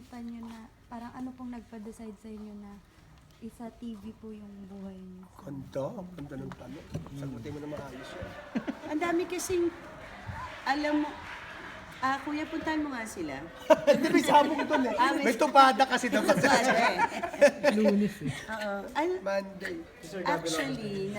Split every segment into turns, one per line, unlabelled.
nakita nyo na, parang ano pong nagpa-decide sa inyo na isa TV po yung buhay niyo?
Ganda ng tanong. Sagutin mo na maayos yan.
Ang dami kasing, alam mo, kuya, puntahan mo nga sila.
Hindi, may sabong doon eh. May tupada kasi dapat sa
Lunes eh.
Oo.
Monday.
Actually,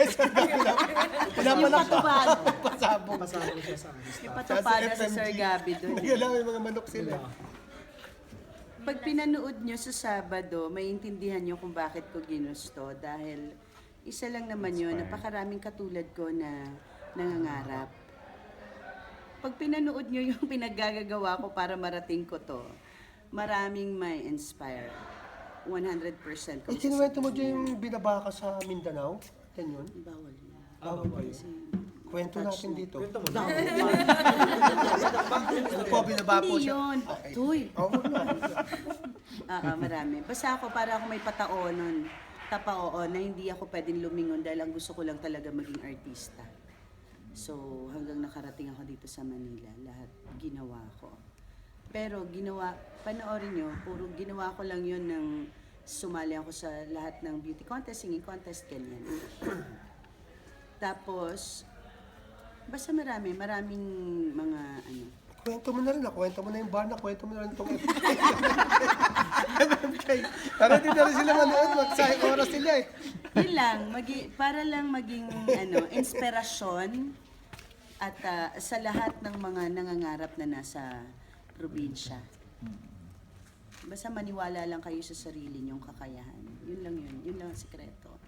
Wala pala
patupad.
pasabong.
Pasabog siya sa akin.
Yung patupad sa Sir Gabi doon.
Hindi alam, may mga manok sila.
Pag pinanood nyo sa Sabado, maintindihan nyo kung bakit ko ginusto. Dahil isa lang naman yun, napakaraming katulad ko na nangangarap. Pag pinanood nyo yung pinaggagawa ko para marating ko to, maraming may inspire. 100% ko.
Ikinuwento mo dyan yung binabaka sa Mindanao? Yan yun?
Bawal na.
Bawal ba yun? Kwento natin dito.
Kwento mo.
Ano po, binaba po
Hindi
siya?
yun.
Okay.
Tuy.
Oo nga.
Marami. Basta ako para ako may pataonon, tapaoon na hindi ako pwedeng lumingon dahil ang gusto ko lang talaga maging artista. So hanggang nakarating ako dito sa Manila, lahat ginawa ko. Pero panoorin nyo, puro ginawa ko lang yun ng sumali ako sa lahat ng beauty contest, singing contest, ganyan. Tapos, basta maraming mga ano.
Kwento mo na rin, kwento mo na yung bar na, kwento mo na rin itong Para di na rin sila manood, magsayang oras sila eh.
Yun lang, para lang maging inspirasyon at sa lahat ng mga nangangarap na nasa probinsya. Basta maniwala lang kayo sa sarili niyong kakayahan. Yun lang ang sikreto.